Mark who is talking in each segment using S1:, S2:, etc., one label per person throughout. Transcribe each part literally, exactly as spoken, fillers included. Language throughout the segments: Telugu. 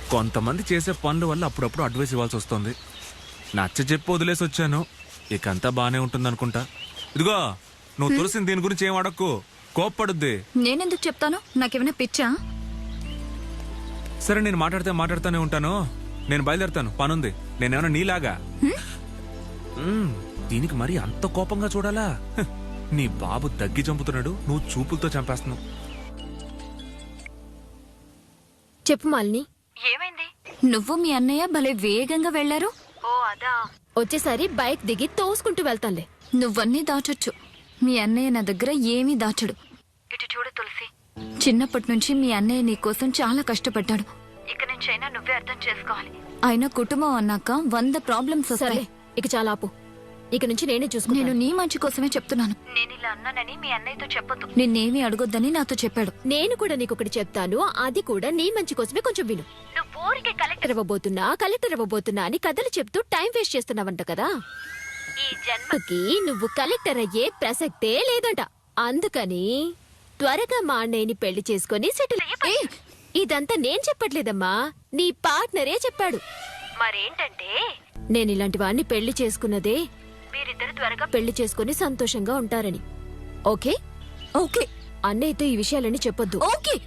S1: కొంతమంది చేసే పనుల వల్ల అప్పుడప్పుడు అడ్వైస్ ఇవ్వాల్సి వస్తుంది. నచ్చ చెప్పి వదిలేసి వచ్చాను. ఇక అంతా బానే ఉంటుంది అనుకుంటా. ఇదిగో నువ్వు తులసిని దీని గురించి ఏం అడక్కు, కోప్పడుద్ది.
S2: నేనెందుకు చెప్తాను? నాకేమైనా పిచ్చా?
S1: సరే నేను మాట్లాడితే మాట్లాడుతూనే ఉంటాను. నేను బయలుదేరుతాను, పనుంది. నేనేమన్నా నీలాగా మ్మ్, దీనికి మరి అంత కోపంగా చూడాలా? హ్, నీ బాబు దగ్గి చంపుతున్నాడు, నువ్వు చూపులతో చంపేస్తున్నావు.
S3: చెప్పు మాలిని.
S2: ఏమైంది? నువ్వు మీ అన్నయ్య భలే వేగంగా వెళ్లారు.
S3: ఓ అదా, వచ్చేసారి బైక్ దిగి తోసుకుంటూ వెళ్తానులే.
S2: నువ్వన్నీ దాచొచ్చు, మీ అన్నయ్య నా దగ్గర ఏమీ దాచడు. ఇటు చూడు తులసి, చిన్నప్పటి నుంచి మీ అన్నయ్య నీ కోసం చాలా కష్టపడ్డాడు. ఇక నుంచైనా నువ్వే అర్థం చేసుకోవాలి. ఆయన కుటుంబం అన్నాక వంద ప్రాబ్లమ్స్ వస్తాయి.
S3: ఇక చాలా ఆపు, ఇక నుంచి నేనే చూసుకున్నాను.
S2: నేను నీ మంచి కోసమే చెప్తున్నాను. నేను ఇలా అన్నానని మీ అన్నయ్యతో చెప్పొద్దు. నిన్నేమీ అడగొద్దని నాతో చెప్పాడు.
S3: నేను కూడా నీకొకటి చెప్తాను, అది కూడా నీ మంచి కోసమే. కొంచెం విను. నువ్వు ఊరికే కలెక్టర్ ఇవ్వబోతున్నా కలెక్టర్ ఇవ్వబోతున్నా అని కథలు చెప్తూ టైం వేస్ట్ చేస్తున్నావంట కదా. ఈ జన్మకి నువ్వు కలెక్టర్ అయ్యే ప్రసక్తే లేదంట. అందుకని త్వరగా మా అన్నయ్యని పెళ్లి చేసుకుని సెటిల్ అయ్యే. ఇదంతా నేను చెప్పట్లేదమ్మా, నీ పార్ట్నరే చెప్పాడు. మరేంటంటే నేను ఇలాంటి వాడిని పెళ్లి చేసుకున్నదే మీరిద్దరు త్వరగా పెళ్లి చేసుకుని సంతోషంగా ఉంటారని. Okay
S2: okay.
S3: అన్నయ్యతో ఈ విషయాలన్నీ చెప్పొద్దు.
S2: ఓకే.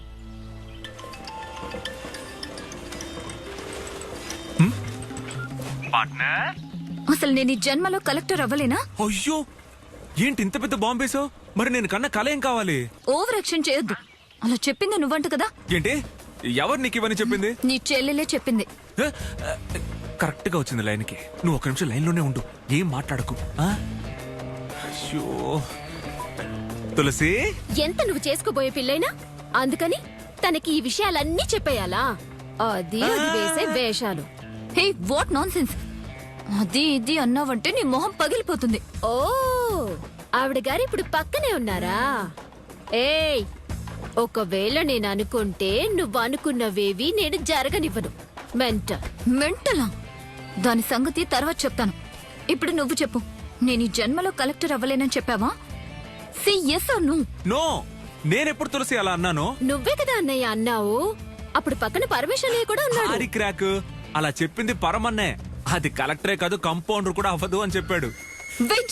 S2: అసలు నేను ఈ జన్మలో కలెక్టర్ అవ్వలేనా?
S1: అయ్యో, ఏంటి ఇంత పెద్ద బాంబేసావు? మరి నేను కన్నా కళ ఏం కావాలి?
S2: ఓవర్ యాక్షన్ చేయొద్దు. అలా చెప్పింది నువ్వంట కదా.
S1: ఏంటి, ఎవరు నీకు ఇవన్నీ చెప్పింది?
S2: నీ చెల్లెలే చెప్పింది.
S1: కరెక్ట్ గా వచ్చింది లైన్కి. నువ్వు ఒక నిమిషం లైన్ లోనే ఉండు, ఏం మాట్లాడకు. అయ్యో తులసి,
S3: ఎంత నువ్వు చేసుకోబోయే పిల్లైనా అందుకని తనకి ఈ విషయాలన్నీ చెప్పేయాలా? అది అది వేసే వేషాలు.
S2: Hey, what nonsense. అది ఇది అన్నావంటే నీ మొహం పగిలిపోతుంది.
S3: ఓ, ఆవిడ గారు ఇప్పుడు పక్కనే ఉన్నారా? ఏయ్, ఒకవేళ నేను అనుకుంటే నువ్వు అనుకున్నవేవి నేను జరగనివ్వను. మెంట
S2: మెంటలా? దాని సంగతి తర్వాత చెప్తాను. ఇప్పుడు నువ్వు చెప్పు, నేను ఈ జన్మలో కలెక్టర్ అవ్వలేనని చెప్పావా? C S R no?
S1: No, నేనెప్పుడు తులసి అలా అన్నాను?
S3: నువ్వే కదా అన్నయ్య అన్నావు. అప్పుడు పక్కన పరమేశ్వర్ కూడా ఉన్నాడు.
S1: ఆడి క్రాక్, అలా చెప్పింది పరమన్నే. అది కలెక్టరే కాదు, కంపౌండర్ కూడా అవ్వదు అని చెప్పాడు.
S2: వెయిట్.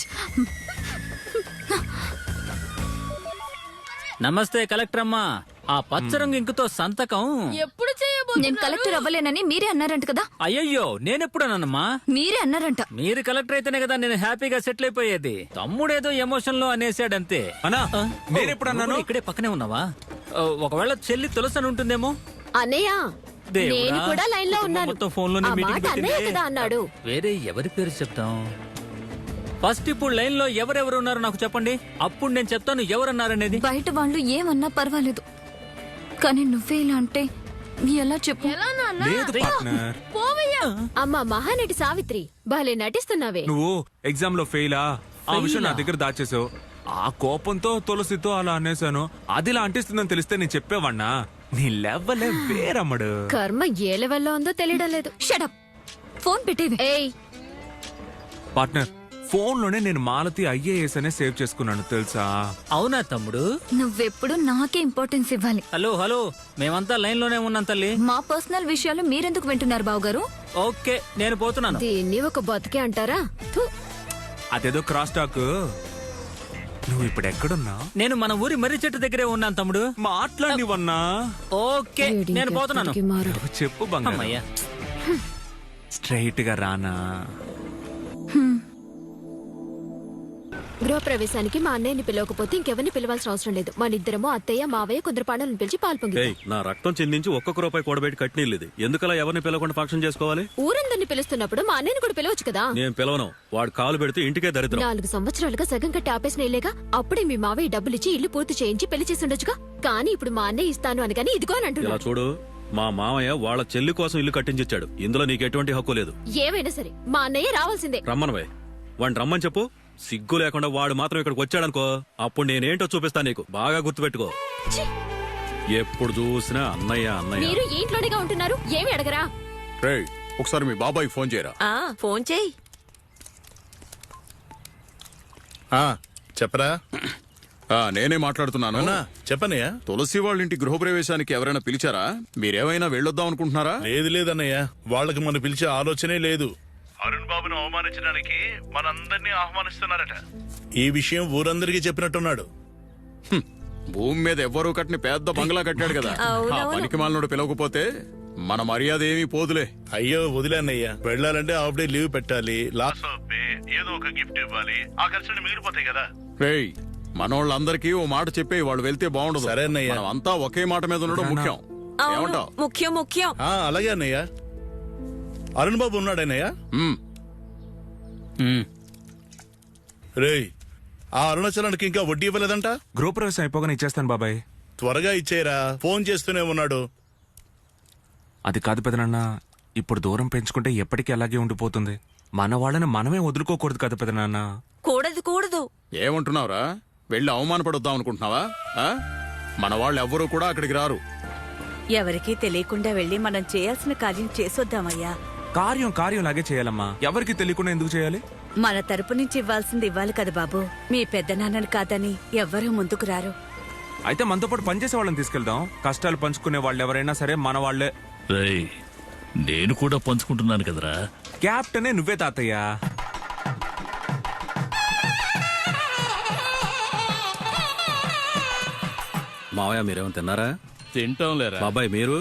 S4: నమస్తే కలెక్టర్ అమ్మా. ఆ పచ్చరంగు ఇంకుతో సంతకం
S3: ఎప్పుడు
S2: నేను కలెక్టర్ అవ్వలేనని మీరే అన్నారంట కదా.
S4: అయ్యయ్యో, నేనెప్పుడన్నానమ్మా?
S2: మీరే అన్నారంట.
S4: మీరు కలెక్టర్ అయితేనే కదా నేను హ్యాపీగా సెటిల్ అయిపోయేది. తమ్ముడేదో ఎమోషన్ లో అనేసాడంతే.
S1: అన్నా, నేనెప్పుడు అన్నాను?
S4: ఇక్కడే పక్కనే ఉన్నావా? ఆ, ఒకవేళ చెల్లి తులసని ఉంటుందేమో.
S3: అన్నయ్య,
S4: దేవుడా,
S3: నేను కూడా లైన్ లో ఉన్నాను.
S4: మొత్తం ఫోన్ లోనే
S3: ఆ
S4: మీటింగ్
S3: మాట అన్నయ్య కదా అన్నాడు.
S4: వేరే ఎవరి పేరు చెప్తాం? ఫస్ట్ ఇప్పుడు లైన్ లో ఎవరెవరు ఉన్నారో నాకు చెప్పండి, అప్పుడు నేను చెప్తాను ఎవరన్నారనేది.
S2: బయట వాళ్ళు ఏమన్నా పర్వాలేదు, కానీ నువ్వే ఇలా అంటే ఎలా చెప్పు?
S1: లేదు పార్ట్నర్.
S3: అమ్మా మహానటి సావిత్రి, భలే నటిస్తున్నావే.
S1: నువ్వు ఎగ్జామ్ లో ఫెయిలా? ఆ విషయం నా దగ్గర దాచేసావు. ఆ కోపంతో తులసితో అలా అనేసాను. అది ఇలా అంటిస్తుందని తెలిస్తే నేను చెప్పేవాణ్ణా? నీ లెవెలే వేరమ్మడు.
S3: కర్మ ఏ లెవెల్లో ఉందో తెలియడం లేదు.
S2: షటప్, ఫోన్ పెట్టేవి.
S3: ఏయ్,
S1: పార్ట్నర్, ఫోన్ లోనే నేను మాలతి ఐఏఎస్ అనే సేవ్ చేసుకున్నాను తెలుసా?
S4: అవునా తమ్ముడు?
S2: నువ్వెప్పుడు నాకే ఇంపార్టెన్స్ ఇవ్వాలి.
S4: హలో హలో, మేమంతా లైన్ లోనే ఉన్నాం తల్లి.
S2: మా పర్సనల్ విషయాలు మీరెందుకు వింటున్నారు బావగారు?
S4: ఓకే, నేను పోతున్నాను.
S3: దీన్ని ఒక బతికే అంటారా? థు.
S1: అదేదో క్రాస్ టాక్. నువ్వు ఇప్పుడు ఎక్కడున్నా?
S4: నేను మన ఊరి మర్రి చెట్టు దగ్గరే ఉన్నాను తమ్ముడు.
S1: మాట్లాడివన్నా?
S4: ఓకే, నేను పోతున్నాను.
S3: ఎక్కడికి మారడు.
S1: చెప్పు బంగారం.
S4: అమ్మయ్యా,
S1: స్ట్రైట్ గా రానా?
S3: గృహప్రవేశానికి మా అన్నయ్యని పిలవకపోతే ఇంకెవరిని పిలవాల్సిన అవసరం లేదు. మన ఇద్దరము అత్తయ్య మావయ్య కొందరు పాటలను పిలిచి పాలు పొంగి
S5: ఏయ్, నా రక్తం చెందించి ఒక్కొక్క రూపాయి కూడబెట్టి కట్టినీళ్ళది. ఎందుకలా ఎవరిని పిలవకుండా ఫంక్షన్ చేసుకోవాలి?
S3: ఊరందరిని పిలుస్తున్నప్పుడు మా అన్నయ్యని కూడా పిలవచ్చు కదా.
S5: నేను పిలవను. వాడు కాలు పెడితే ఇంటికే దరిద్రం.
S3: నాలుగు సంవత్సరాలుగా సగం కట్టి ఆపేసిన ఇల్లేగా. అప్పుడే మీ మావయ్య డబ్బులిచ్చి ఇల్లు పూర్తి చేయించి పెళ్లి చేసి ఉండొచ్చుగా. కానీ ఇప్పుడు మా అన్నయ్య ఇస్తాను అనగాని ఇదిగో అని
S5: ఇలా
S3: అంటున్నాడు.
S5: చూడు, మా మామయ్య వాళ్ళ చెల్లి కోసం ఇల్లు కట్టించిచ్చాడు. ఇందులో నీకు ఎటువంటి హక్కు లేదు.
S3: ఏమైనా సరే మా అన్నయ్య రావాల్సిందే.
S5: రమ్మనవే, వాడిని రమ్మని చెప్పు. సిగ్గు లేకుండా వాడు మాత్రం ఇక్కడికి వచ్చాడనుకో, అప్పుడు నేనేంటో చూపిస్తాను నీకు. బాగా గుర్తుపెట్టుకో.
S3: ఛీ!
S5: ఎప్పుడు చూసినా అన్నయ్య అన్నయ్య.
S3: మీరు ఈ ఇంట్లోనేగా ఉంటున్నారు, ఏమి అడగరా?
S6: రేయ్, ఒకసారి మీ బాబాయ్ ఫోన్ చేయరా.
S3: ఫోన్ చేయి.
S6: చెప్పరా. ఆ, నేనే మాట్లాడుతున్నాను.
S7: అవునా చెప్పనయ్యా.
S6: తులసి వాళ్ళ ఇంటి గృహప్రవేశానికి ఎవరైనా పిలిచారా? మీరేమైనా వెళ్ళొద్దాం అనుకుంటున్నారా?
S7: లేదు లేదన్నయ్య, వాళ్ళకి మనం పిలిచే ఆలోచనే లేదు. అరుణ్ బాబును అవమానించడానికి మనందరినీ ఆహ్వానిస్తున్నారట. ఈ విషయం ఊరందరికీ చెప్పినట్టున్నాడు.
S6: హ్మ్. భూమి మీద ఎవ్వరూ కట్టిన పెద్ద బంగ్లా కట్టాడు కదా, ఆ పనికి మాలినోడు పిలవకపోతే మన మర్యాద ఏమీ పోదులే.
S7: అయ్యో వదిలేన్నయ్యా, వెళ్ళాలంటే హాఫ్ డే లీవ్ పెట్టాలి, లాస్ ఆఫ్ పే, ఏదో ఒక గిఫ్ట్ ఇవ్వాలి, ఆ ఖర్చులు మిగిలిపోతాయి కదా.
S6: రేయ్, మనోళ్ళందరికీ ఓ మాట చెప్పే వాళ్ళు వెళ్తే బాగుండదు.
S7: సరే అన్నయ్య.
S6: మనం అంతా ఒకే మాట మీద ఉండడం ముఖ్యం. ఏమంటావ్?
S8: ముఖ్యం ముఖ్యం.
S7: ఆ అలాగే అన్నయ్య. అరుణ్ బాబు ఉన్నాడన్నయ్య?
S6: హ్మ్.
S7: రేయ్, ఆ అరుణాచలానికి ఇంకా వడ్డీ ఇవ్వలేదంట.
S1: గృహప్రవేశం అయిపోగానే ఇచ్చేస్తాను బాబాయ్.
S7: త్వరగా ఇచ్చేయరా, ఫోన్ చేస్తూనే ఉన్నాడు.
S1: అది కాదు పెదనాన్న, ఇప్పుడు దూరం పెంచుకుంటే ఎప్పటికీ అలాగే ఉండిపోతుంది. మన వాళ్ళని మనమే వదులుకోకూడదు కదా పెదనాన్న.
S8: కూడదు కూడదు.
S6: ఏమంటున్నావురా? వెళ్ళి అవమానపడొద్దాం అనుకుంటున్నావా? ఆ? మన వాళ్ళు ఎవ్వరూ కూడా అక్కడికి రారు.
S8: ఎవరికీ తెలియకుండా వెళ్ళి మనం చేయాల్సిన కార్యం చేసొద్దామయ్యా.
S1: కార్యం కార్యం లాగే చేయాలమ్మా. ఎవరికి తెలియకుండా ఎందుకు చేయాలి?
S8: మన తరపు నుంచి ఇవ్వాల్సింది ఇవ్వాలి కదా బాబు. మీ పెద్దనాన్నని కాదని ఎవ్వరూ ముందుకు రారు.
S1: అయితే మనతో పాటు పనిచేసే వాళ్ళని తీసుకెళ్దాం. కష్టాలు పంచుకునే వాళ్ళు ఎవరైనా సరే మన వాళ్లే.
S9: రేయ్, నేను కూడా పంచుకుంటున్నాను కదరా.
S1: క్యాప్టెనే నువ్వే తాతయ్య.
S5: మావయ్య మీరేమో తిన్నారా?
S9: తింటాం లేరా.
S5: బాబాయ్ మీరు?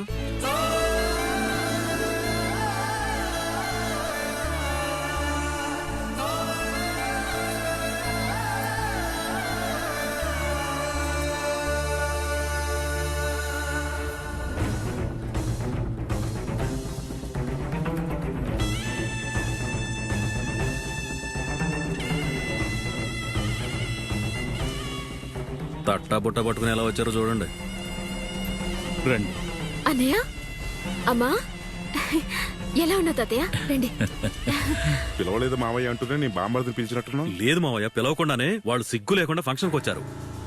S5: తట్టా బుట్ట పట్టుకుని ఎలా వచ్చారో చూడండి.
S9: రండి.
S3: అన్నయ్య, అమ్మా, ఎలా ఉన్నావు తాతయ్య? రండి.
S10: పిలవలేదు మావయ్య అంటూనే నీ బామ్మర్దిని పిలిచినట్టున్నావు.
S5: లేదు మావయ్య, పిలవకుండానే వాళ్ళు సిగ్గు లేకుండా ఫంక్షన్కి వచ్చారు.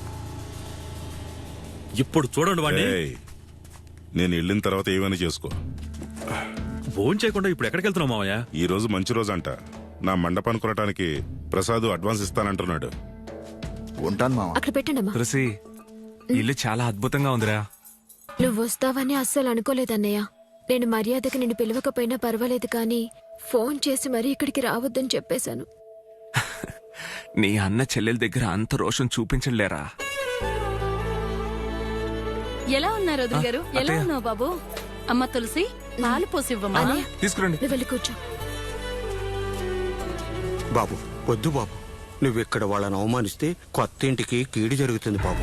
S5: ఇప్పుడు చూడండి వాడిని.
S10: ఏయ్, నేను వెళ్ళిన తర్వాత ఏమైనా చేసుకో.
S5: ఫోన్ చేయకుండా ఇప్పుడు ఎక్కడికి వెళ్తున్నావు మావయ్య?
S10: ఈ రోజు మంచి రోజు అంట. నా మండపాన్ని కొనటానికి ప్రసాద్ అడ్వాన్స్ ఇస్తానంటున్నాడు.
S11: ఉంటాను మామ.
S3: అక్కడ పెట్టండి అమ్మా.
S1: తులసి, ఇల్లు చాలా అద్భుతంగా ఉందిరా.
S3: నువ్వు వస్తావని అస్సలు అనుకోలేదన్నయ్య. నేను మర్యాదకి నిన్ను పిలవకపోయినా పర్వాలేదు, కానీ ఫోన్ చేసి మరీ ఇక్కడికి రావద్దని చెప్పేశాను.
S1: నీ అన్న చెల్లెల దగ్గర అంత రోషం చూపించలేరా?
S8: ఎలా ఉన్నారు వదిన గారు? ఎలా
S1: అత్తయ్య.
S8: ఉన్నావు బాబు? అమ్మ తులసి, పాలు పోసివ్వమ్మా.
S3: అన్నయ్య,
S1: తీసుకురండి.
S3: నువ్వు వెళ్ళి కూర్చో.
S11: బాబు వద్దు బాబు, నువ్వు ఇక్కడ వాళ్ళని అవమానిస్తే కొత్త ఇంటికి కీడు జరుగుతుంది బాబు.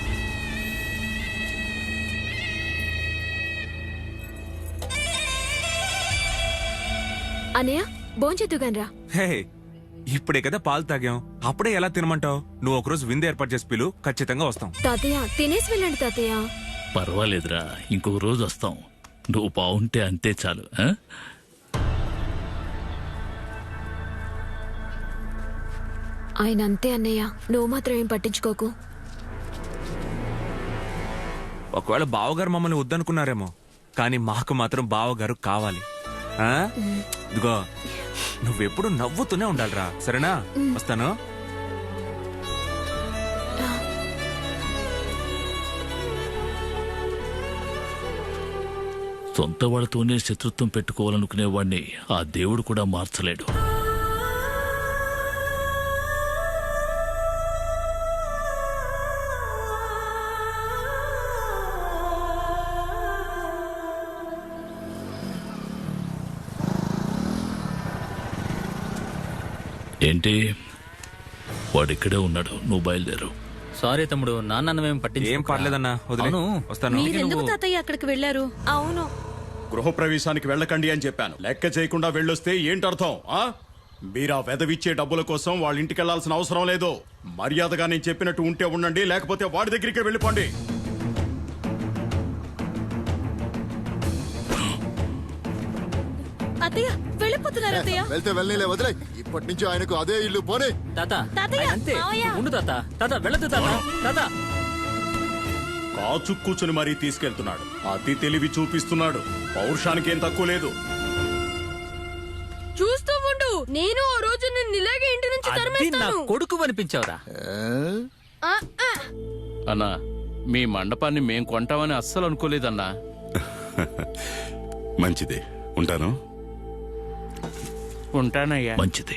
S3: అన్నయ్య, భోంచేద్దుగాని రా.
S1: హే, ఇప్పుడే కదా పాలు తాగాం, అప్పుడే ఎలా తినమంటావు? నువ్వు ఒకరోజు విందు ఏర్పాటు చేసి పిలు, ఖచ్చితంగా వస్తాం.
S3: తాతయ్య, తినేసి వెళ్ళండి తాతయ్య.
S9: పర్వాలేదురా, ఇంకొక రోజు వస్తాం. నువ్వు బాగుంటే అంతే చాలు. ఆ?
S3: ఆయన అంతే అన్నయ్య, నువ్వు మాత్రం ఏం పట్టించుకోకు.
S1: ఒకవేళ బావగారు మమ్మల్ని వద్దనుకున్నారేమో, కానీ మాకు మాత్రం బావగారు కావాలి. ఆ? ఇదిగో, నువ్వెప్పుడు నవ్వుతూనే ఉండాలిరా, సరేనా? వస్తాను.
S9: సొంత వాళ్ళతోనే శత్రుత్వం పెట్టుకోవాలనుకునేవాడిని ఆ దేవుడు కూడా మార్చలేడు. ఏంటి, వాడిక్కడే ఉన్నాడు, నువ్వు బయలుదేరు.
S4: సారీ తమ్ముడు, నాన్నమేం పట్టించి
S1: ఏం పర్లేదన్నా, వదిలే. వస్తాను.
S8: మీరెందుకు తాతయ్య అక్కడికి వెళ్ళారు? అవును,
S6: గృహప్రవేశానికి వెళ్ళకండి అని చెప్పాను. లెక్క చేయకుండా వెళ్ళొస్తే ఏంటర్థం? ఆ? మీరా వెదవిచ్చే డబ్బుల కోసం వాళ్ళ ఇంటికి వెళ్లాల్సిన అవసరం లేదు. మర్యాదగా నేను చెప్పినట్టు ఉంటే ఉండండి, లేకపోతే వాడి దగ్గరికి వెళ్ళిపోండి.
S8: అత్తయ్య వెళ్ళిపోతున్నారు. అత్తయ్య
S11: వెళ్తే వెళ్ళలే, వదిలే. ఇప్పటి నుంచి ఆయనకు అదే ఇల్లు పోనీ.
S4: తాత,
S8: తాతయ్య,
S4: ఆయన అంతే.
S8: మావయ్య.
S4: ఉండు తాత. తాత వెళ్ళదు తాత. తాత
S6: కాచు కూర్చుని మరీ తీసుకెళ్తున్నాడు. అతి తెలివి చూపిస్తున్నాడు. పౌరుషానికి ఏం తక్కువ లేదు.
S8: చూస్తూ ఉండు, నేను ఆ రోజు నిన్ను ఇలాగే ఇంటి నుంచి
S4: అది నా
S8: తరిమేస్తాను.
S4: కొడుకు అనిపించావురా.
S9: అన్నా మీ మండపాన్ని మేం కొంటామని అస్సలు అనుకోలేదన్నా.
S10: మంచిది, ఉంటాను.
S9: ఉంటానయ్యా. మంచిది.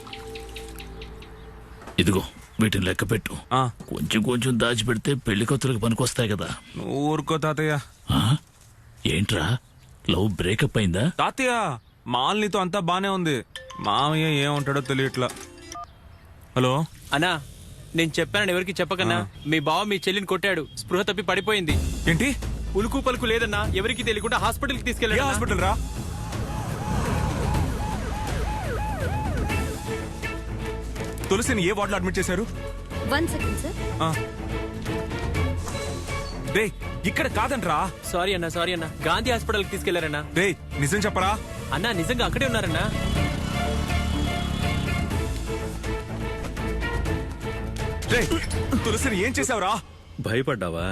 S9: ఇదిగో వీటిని లెక్క పెట్టు.
S1: ఆ,
S9: కొంచెం కొంచెం దాచిపెడితే పెళ్లి కొత్తలకు పనికొస్తాయి కదా.
S1: నువ్వు ఊరుకో తాతయ్య.
S9: ఆ? ఏంట్రా లవ్ బ్రేకప్ అయిందా?
S1: తాతయ్య మాలినితో అంతా బానే ఉంది, మామయ్య ఏముంటాడో తెలియట్లా. హలో
S12: అన్నా, నేను చెప్పానని ఎవరికి చెప్పకన్నా. మీ బావ మీ చెల్లిని కొట్టాడు, స్పృహ తప్పి పడిపోయింది.
S1: ఏంటి?
S12: ఉలుకు పలుకు లేదన్నా, ఎవరికి తెలియకుండా హాస్పిటల్కి
S1: ఏ
S12: తీసుకెళ్ళాడు.
S1: హాస్పిటల్ రా? తులసిని ఏ వార్డులో అడ్మిట్ చేశారు?
S2: One second sir.
S1: ఆ. డే ఇక్కడ కాదంట్రా.
S12: సారీ అన్నా, సారీ అన్నా, గాంధీ హాస్పిటల్కి తీసుకెళ్లారన్నా.
S1: డే నిజం చెప్పరా?
S12: అన్నా నిజంగా అక్కడే ఉన్నారన్నా.
S1: డే తులసిని ఏం చేసావురా?
S5: భయపడ్డావా?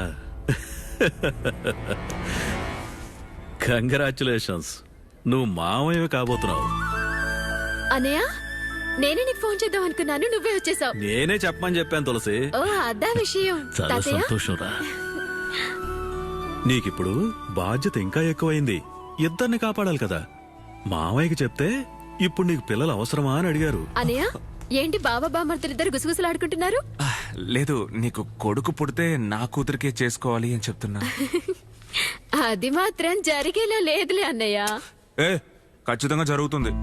S5: కంగ్రాచులేషన్స్, నువ్వు మామయ్య కాబోతున్నావు.
S3: అనయ్య, నేనే నీకు ఫోన్ చేద్దాం అనుకున్నాను, నువ్వే వచ్చేసావు.
S5: నేనే చెప్పమని చెప్పాను తులసి.
S3: ఓ అదా విషయం.
S9: చాలా
S3: తాతయ్య,
S9: సంతోషంరా.
S5: నీకిప్పుడు బాధ్యత ఇంకా ఎక్కువైంది. ఇద్దరిని కాపాడాలి కదా. మామయ్యకి చెప్తే ఇప్పుడు నీకు పిల్లలు అవసరమా అని అడిగారు.
S3: అనయ్య, ఏంటి బావ బామర్తులిద్దరు గుసగుసలాడుకుంటున్నారు?
S1: లేదు, నీకు కొడుకు పుడితే నా కూతురికే చేసుకోవాలి అని చెప్తున్నా.
S3: అది మాత్రం జరిగేలా లేదులే అన్నయ్య.
S1: ఏ ఖచ్చితంగా జరుగుతుంది.